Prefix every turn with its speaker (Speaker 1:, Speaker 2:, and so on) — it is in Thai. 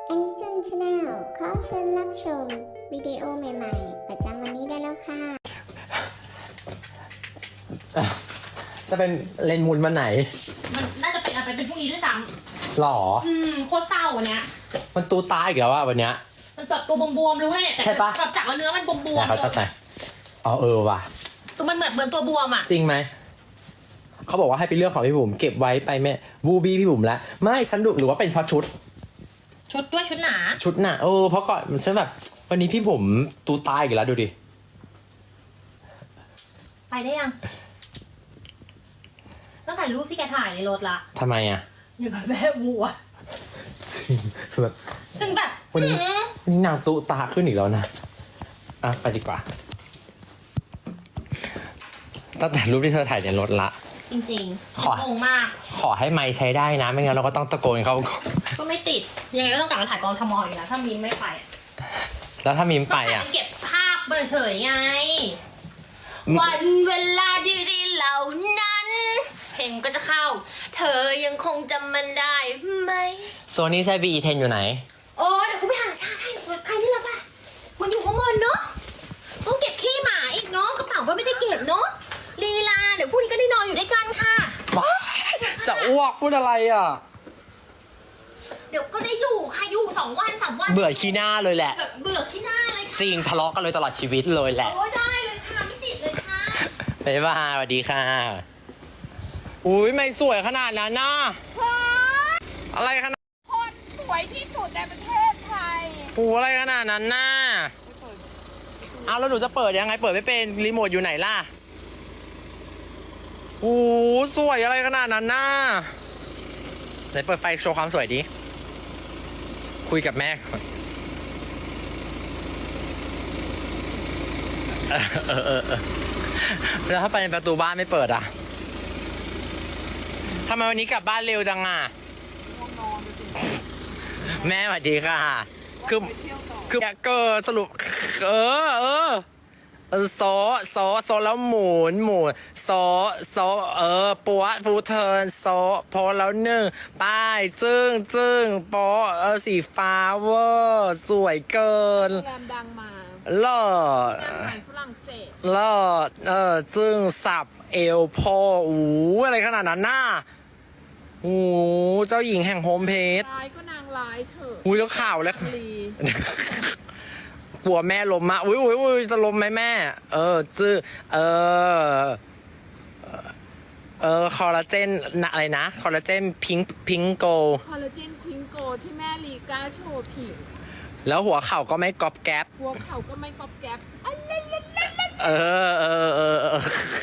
Speaker 1: แองเจิลชาแนลขอเชิญรับชมวิดีโอใหม่ๆประจำวันนี้ได้แล้วค่ะ
Speaker 2: จะเป็นเลนส์มุนวันไหน
Speaker 3: มันน่าจะเป็นอะไรเป็นพรุ่งนี้ด้วยซ้
Speaker 2: หรอ
Speaker 3: ำโคตรเศร้าวันเนี้ย
Speaker 2: มันตูตายอีกแล้วว่าวันเนี้ย
Speaker 3: มันแบบตัวบวมๆรู้ไหมเนี่ยแต่
Speaker 2: ใช่ปะ
Speaker 3: แบบจากเนื้อมันบวม
Speaker 2: เขาจะไหนอ๋อว่ะ
Speaker 3: ตัวมันเหมือนตัวบวมอ่ะ
Speaker 2: จริงไหม เขาบอกว่าให้ไปเลือกของพี่บุ๋มเก็บไว้ไปแม่บูบี้พี่บุ๋มแล้วไม่ฉันดูหรือว่าเป็นเพราะชุด
Speaker 3: ชุดด้วยชุดหนา
Speaker 2: ชุดน่ะเพราะก่อนฉันแบบ วันนี้พี่บุ๋มตูตายอีกแล้วดูดิ
Speaker 3: ไปได้ยังต้องถ่ายรูปพี่แกถ่ายในรถละ
Speaker 2: ทำไมอ่ะ
Speaker 3: อย่างกับแม่วัว
Speaker 2: คือแบบ
Speaker 3: ซึ่งแบบ
Speaker 2: วันนี้นางตูตาขึ้นอีกแล้วนะอ่ะไปดีกว่าตั้งแต่รูปที่เธอถ่ายในรถละ
Speaker 3: จริง
Speaker 2: ขอ
Speaker 3: ๆงงมาก
Speaker 2: ขอให้ไมค์ใช้ได้นะ ไม่งั้นเราก็ต้องตะโกนเขา
Speaker 3: ก็ไม่ติดยังไงก็ต้องกลับมาถ่ายกองทมอีกแล้วถ้ามีไม่ไปอะ
Speaker 2: แล้วถ้ามีมไป
Speaker 3: ต้องถ่าย
Speaker 2: อ่ะ
Speaker 3: เป็นเก็บภาพเฉยๆไง วันเวลาดีๆเหล่านั้น เพลงก็จะเข้า เธอยังคงจำมันได้ไหม
Speaker 2: โซนี่ไซบีอีเทนอยู่ไหน
Speaker 3: โอ้เดี๋ยวกูไปหาชาให้ปลอดภัยนี่แหละป่ะมันอยู่ข้างบนเนาะต้องเก็บขี้หมาอีกเนาะกระเป๋าก็ไม่ได้เก็บเนาะลีลาเดี๋ยวพรุ่งนี้ก็ได้นอนอยู่ด้วยกันค่ะ
Speaker 2: จะอ้วกพูดอะไรอ่ะ
Speaker 3: เดี๋ยวก็ได้อยู่ค่ะอยู่2 วัน 3 วัน
Speaker 2: เบื่อขี้หน้าเลยแหละ
Speaker 3: แบบเบื่อขี้หน้าเลยค่ะ
Speaker 2: จริงทะเลาะกันเลยตลอดชีวิตเลยแหละ
Speaker 3: โอ้ได้เลยค่ะไม่ติดเลยค่ะ
Speaker 2: บ๊ายบายสวัสดีค่ะ อุ้ยไม่สวยขนาดนั้นนะอะไรขนาด
Speaker 4: คนสวยที่สุดในประเทศไทย
Speaker 2: อะไรขนาดนั้นน่ะเอาแล้วหนูจะเปิดยังไงเปิดไม่เป็นรีโมทอยู่ไหนล่ะโอ้สวยอะไรขนาดนั้นน่ะไหนเปิดไฟโชว์ความสวยดิคุยกับแม่ก่อนแล้วถ้าไปในประตูบ้านไม่เปิดอ่ะทำไมวันนี้กลับบ้านเร็วจังอ่ะแม่สวัสดีค่ะคือเกิดสรุปโซแล้วหมุนโซปัวฟูเทิร์นโซพอแล้ว1ป้ายจึ้งโปสีฟ้าเวอร์สวยเกิน
Speaker 4: โรงแรมดังมา
Speaker 2: เลิศ
Speaker 4: อาหารฝรั่งเศส
Speaker 2: เลิศจึ้งสับเอวพออะไรขนาดนั้นน่ะเจ้าหญิงแห่งโฮมเพจ
Speaker 4: ร้ายก็นางร้ายเถอะ
Speaker 2: แล้วข่าวแล้ว
Speaker 4: ลี
Speaker 2: กลัวแม่ล้มมาอุ้ยจะล้มไหมแม่คอลลาเจนอะไรนะคอลลาเจนพิงโก
Speaker 4: คอลลาเจนพิงโกที่แม่ลีกล้าโชว์ผิว
Speaker 2: แล้วหัวเข่าก็ไม่ก๊อบแก๊บ
Speaker 4: หัวเขาก็ไม่กอบแก๊บ
Speaker 2: เออ